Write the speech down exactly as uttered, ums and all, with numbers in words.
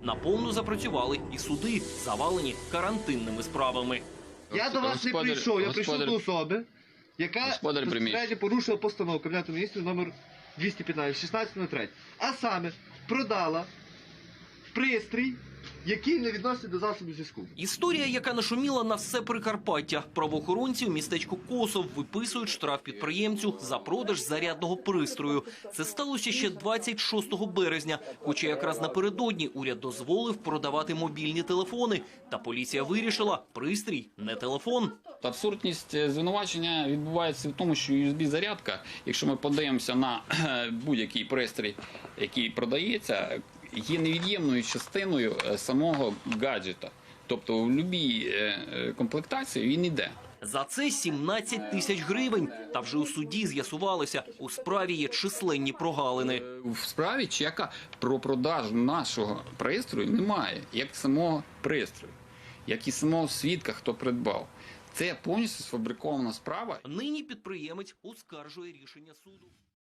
Наповну запрацювали і суди, завалені карантинними справами. Я до вас не Господар- прийшов, я господар- прийшов до особи, яка Господар приміщення. безпосередньо порушила постанову Кабінету міністрів номер двісті п'ятнадцять, шістнадцять три. А саме, продала пристрій, який не відноситься до засобів зв'язку. Історія, яка нашуміла на все Прикарпаття. Правоохоронці в містечку Косов виписують штраф підприємцю за продаж зарядного пристрою. Це сталося ще двадцять шостого березня, хоча якраз напередодні уряд дозволив продавати мобільні телефони. Та поліція вирішила – пристрій не телефон. Абсурдність звинувачення відбувається в тому, що ю ес бі-зарядка, якщо ми подивимося на будь-який пристрій, який продається, є невід'ємною частиною самого гаджета. Тобто в будь-якій комплектації він йде. За це сімнадцять тисяч гривень. Та вже у суді з'ясувалося, у справі є численні прогалини. В справі чека про продажу нашого пристрою немає, як самого пристрою, як і самого свідка, хто придбав. Це повністю сфабрикована справа. Нині підприємець оскаржує рішення суду.